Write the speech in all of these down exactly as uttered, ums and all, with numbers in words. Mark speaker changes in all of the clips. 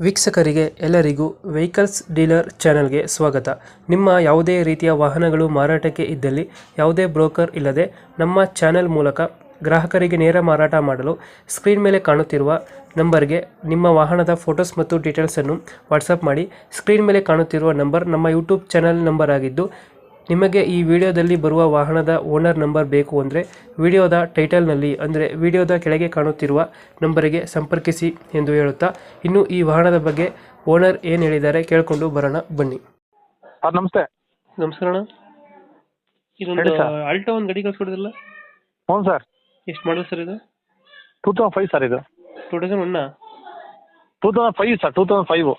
Speaker 1: ವೀಕ್ಷಕರಿಗೆ ಎಲ್ಲರಿಗೂ vehicles dealer ಚಾನೆಲ್ಗೆ ಸ್ವಾಗತ. ನಿಮ್ಮ ಯಾವುದೇ ರೀತಿಯ ವಾಹನಗಳು ಮಾರಾಟಕ್ಕೆ ಇದ್ದಲ್ಲಿ ಯಾವುದೇ ಬ್ರೋಕರ್ ಇಲ್ಲದೆ ನಮ್ಮ ಚಾನೆಲ್ ಮೂಲಕ ಗ್ರಾಹಕರಿಗೆ ನೇರ ಮಾರಾಟ ಮಾಡಲು ಸ್ಕ್ರೀನ್ ಮೇಲೆ ಕಾಣುತ್ತಿರುವ ನಂಬರ್ಗೆ ನಿಮ್ಮ ವಾಹನದ ಫೋಟೋಸ್ ಮತ್ತು ಡೀಟೇಲ್ಸನ್ನು ವಾಟ್ಸಪ್ ಮಾಡಿ. ಸ್ಕ್ರೀನ್ ಮೇಲೆ ಕಾಣುತ್ತಿರುವ ನಂಬರ್ ನಮ್ಮ ಯೂಟ್ಯೂಬ್ ಚಾನೆಲ್ ನಂಬರ್ ಆಗಿದ್ದು, ನಿಮಗೆ ಈ ವಿಡಿಯೋದಲ್ಲಿ ಬರುವ ವಾಹನದ ಓನರ್ ನಂಬರ್ ಬೇಕು ಅಂದರೆ ವಿಡಿಯೋದ ಟೈಟಲ್ನಲ್ಲಿ ಅಂದರೆ ವಿಡಿಯೋದ ಕೆಳಗೆ ಕಾಣುತ್ತಿರುವ ನಂಬರಿಗೆ ಸಂಪರ್ಕಿಸಿ ಎಂದು ಹೇಳುತ್ತಾ, ಇನ್ನು ಈ ವಾಹನದ ಬಗ್ಗೆ ಓನರ್ ಏನು ಹೇಳಿದ್ದಾರೆ ಕೇಳಿಕೊಂಡು ಬರೋಣ ಬನ್ನಿ.
Speaker 2: ಸರ್ ನಮಸ್ತೆ.
Speaker 1: ನಮಸ್ಕಾರ ಅಣ್ಣ. ಇದೊಂದು
Speaker 2: ಹೇಳಿ ಸರ್.
Speaker 1: ಆಲ್ಟೋ ಒಂದು ಗಾಡಿ ಕಳ್ಸ್ಕೊಡಿದ್ರಲ್ಲ,
Speaker 2: ಹ್ಞೂ ಸರ್.
Speaker 1: ಎಷ್ಟು ಮಾಡಲ್ ಸರ್ ಇದು?
Speaker 2: ಟೂ ತೌಸಂಡ್ ಫೈವ್ ಸರ್ ಇದು.
Speaker 1: ಟೂ ತೌಸಂಡ್ ಒನ್ನ
Speaker 2: two thousand five sir. Two thousand five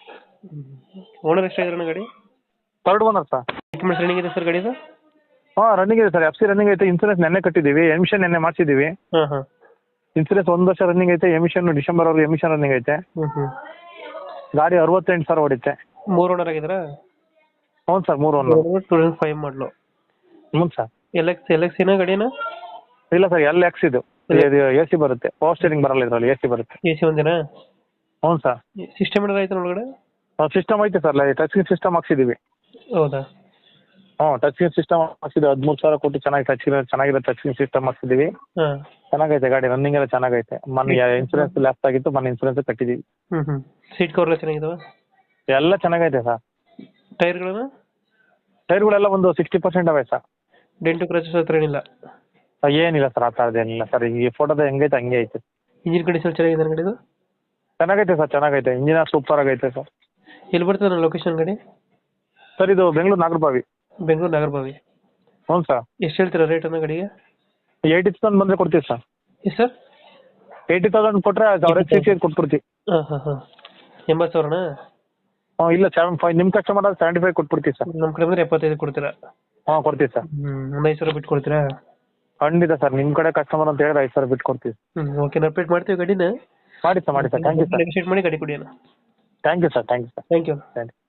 Speaker 1: owner ಎಷ್ಟಾಗಿದ್ರಣ್ಣ ಗಾಡಿ?
Speaker 2: Third owner sir.
Speaker 1: Documents running ಇದೆ ಸರ್ ಗಾಡಿದು?
Speaker 2: ಹಾಂ ರನ್ನಿಂಗ್ ಇದೆ ಸರ್. ಎಫ್ ಸಿ ರನ್ನಿಂಗ್ ಐತೆ. ಇನ್ಸೂರೆನ್ಸ್ ನೆನ್ನೆ ಕಟ್ಟಿದ್ದೀವಿ. ಎಮಿಷನ್ ನೆನ್ನೆ ಮಾಡಿಸಿದ್ದೀವಿ.
Speaker 1: ಹಾಂ ಹಾಂ.
Speaker 2: ಇನ್ಸೂರೆನ್ಸ್ ಒಂದು ವರ್ಷ ರನ್ನಿಂಗ್ ಐತೆ. ಎಮಿಷನ್ ಡಿಸೆಂಬರ್ವರೆಗೂ ಎಮಿಷನ್ ರನ್ನಿಂಗ್ ಐತೆ.
Speaker 1: ಹ್ಞೂ ಹ್ಞೂ.
Speaker 2: ಗಾಡಿ ಅರವತ್ತೆಂಟು ಸಾವಿರ ಹೊಡಿತೆ.
Speaker 1: ಮೂರು ಓನರ್ ಆಗಿದ್ರಾ?
Speaker 2: ಹ್ಞೂ ಸರ್, ಮೂರು owner.
Speaker 1: Two thousand five model.
Speaker 2: ಹ್ಞೂ sir.
Speaker 1: L X L X ಏನೋ ಗಾಡಿನ?
Speaker 2: ಇಲ್ಲ ಸರ್, ಎಲ್ ಎಕ್ಸ್ ಇದು. ಎ ಸಿ ಬರುತ್ತೆ. ಪವರ್ ಸ್ಟೇರಿಂಗ್ ಬರಲ್ಲ ಇದರಲ್ಲಿ, ಎ ಸಿ ಬರುತ್ತೆ.
Speaker 1: ಎ ಸಿ ಒಂದೇನಾ?
Speaker 2: ಹ್ಞೂ ಸರ್.
Speaker 1: ಸಿಸ್ಟಮ್ ಏನಾದ್ರು ಆಯ್ತು ಒಳಗಡೆ?
Speaker 2: ಸಿಸ್ಟಮ್ ಐತೆ ಸರ್. ಟಚ್ ಸ್ಕ್ರೀನ್ ಸಿಸ್ಟಮ್ ಹಾಕ್ಸಿದ್ದೀವಿ.
Speaker 1: ಹೌದಾ?
Speaker 2: ಹ್ಞೂ ಟಚ್ ಸ್ಕ್ರೀನ್ ಸಿಸ್ಟಮ್ ಹಾಕ್ಸಿದ್ದೀವಿ. ಹದಿಮೂರು ಸಾವಿರ ಕೊಟ್ಟು ಚೆನ್ನಾಗಿ ಟಚ್ ಚೆನ್ನಾಗಿರೋ ಟಚ್ ಸ್ಕ್ರೀನ್ ಸಿಸ್ಟಮ್ ಹಾಕ್ಸಿದ್ದೀವಿ.
Speaker 1: ಹಾಂ.
Speaker 2: ಚೆನ್ನಾಗೈತೆ ಗಾಡಿ. ರನ್ನಿಂಗ್ ಎಲ್ಲ ಚೆನ್ನಾಗೈತೆ. ಮೊನ್ನೆ ಇನ್ಸೂರೆನ್ಸ್ ಲ್ಯಾಪ್ಸ್ ಆಗಿತ್ತು, ಮೊನ್ನೆ ಇನ್ಸೂರೆನ್ಸ್ ಕಟ್ಟಿದ್ದೀವಿ.
Speaker 1: ಹ್ಞೂ ಹ್ಞೂ. ಸೀಟ್ ಕವರ್ ಎಲ್ಲ ಚೆನ್ನಾಗಿದಾವ?
Speaker 2: ಎಲ್ಲ ಚೆನ್ನಾಗೈತೆ ಸರ್.
Speaker 1: ಟೈರ್ಗಳನ್ನು?
Speaker 2: ಟೈರ್ಗಳೆಲ್ಲ ಒಂದು ಸಿಕ್ಸ್ಟಿ ಪರ್ಸೆಂಟ್ ಅವೆ ಸರ್.
Speaker 1: ಡೆಂಟು ಕ್ರಚಸ್ ಹತ್ರ ಏನಿಲ್ಲ?
Speaker 2: ಏನಿಲ್ಲ ಸರ್, ಆ ಥರದ್ದು ಏನಿಲ್ಲ ಸರ್. ಈ ಫೋಟೋದ ಹೆಂಗೈತೆ ಹಂಗೆ ಐತೆ.
Speaker 1: ಇಂಜಿನ್ ಕಂಡೀಷನ್ ಚೆನ್ನಾಗಿದೆ ಗಾಡಿದು?
Speaker 2: ಚೆನ್ನಾಗೈತೆ ಸರ್, ಚೆನ್ನಾಗೈತೆ. ಇಂಜಿನ್ ಸೂಪರ್ ಆಗೈತೆ ಸರ್.
Speaker 1: ಎಲ್ಲಿ ಬರ್ತದೆ ಲೊಕೇಶನ್ ಗಾಡಿ?
Speaker 2: ಸರ್ ಇದು ಬೆಂಗಳೂರು ನಾಗರಬಾವಿ.
Speaker 1: ಬೆಂಗಳೂರು ನಾಗರಬಾವಿ.
Speaker 2: ಹ್ಞೂ ಸರ್.
Speaker 1: ಎಷ್ಟು ಹೇಳ್ತೀರಾ ರೇಟ್ ಅನ್ನ ಗಾಡಿಗೆ?
Speaker 2: ಏಯ್ಟಿ ತೌಸಂಡ್ ಬಂದರೆ ಕೊಡ್ತೀವಿ ಸರ್.
Speaker 1: ಎಷ್ಟು ಸರ್?
Speaker 2: ಏಯ್ಟಿ ತೌಸಂಡ್ ಕೊಟ್ಟರೆ ಅವ್ರ ಸಿ ಸಿ ಕೊಟ್ಬಿಡ್ತೀವಿ.
Speaker 1: ಹಾಂ ಹಾಂ ಹಾಂ. ಎಂಬತ್ತು ಸಾವಿರನಾ?
Speaker 2: ಹ್ಞೂ ಇಲ್ಲ, ಸೆವೆನ್ ಫೈವ್ ನಿಮ್ಮ ಕಸ್ಟಮರ್ ಆದ್ರೆ ಸೆವೆಂಟಿ ಫೈವ್ ಕೊಟ್ಬಿಡ್ತೀವಿ ಸರ್.
Speaker 1: ನಮ್ಮ ಕಡೆ ಬಂದರೆ ಎಪ್ಪತ್ತೈದು ಕೊಡ್ತೀರಾ?
Speaker 2: ಹಾಂ ಕೊಡ್ತೀವಿ ಸರ್.
Speaker 1: ಹ್ಞೂ. ಒಂದು ಐದು ಸಾವಿರ ಬಿಟ್ಟು ಕೊಡ್ತೀರಾ?
Speaker 2: ಖಂಡಿತ ಸರ್. ನಿಮ್ಮ ಕಡೆ ಕಸ್ಟಮರ್ ಅಂತ ಹೇಳಿದ್ರೆ ಐದು ಸಾವಿರ ಬಿಟ್ಟು ಕೊಡ್ತೀವಿ.
Speaker 1: ಹ್ಞೂ ಓಕೆ. ನಾವು ಅಪ್ಡೇಟ್ ಮಾಡ್ತೀವಿ ಗಾಡಿನ.
Speaker 2: ಮಾಡಿ ಸರ್, ಮಾಡಿ sir. Thank you sir.
Speaker 1: Negotiate ಮಾಡಿ ಗಾಡಿ ಕೊಡಿ ಅಣ್ಣ.
Speaker 2: Thank you sir. Thank you sir.
Speaker 1: Thank you.
Speaker 2: Thank you.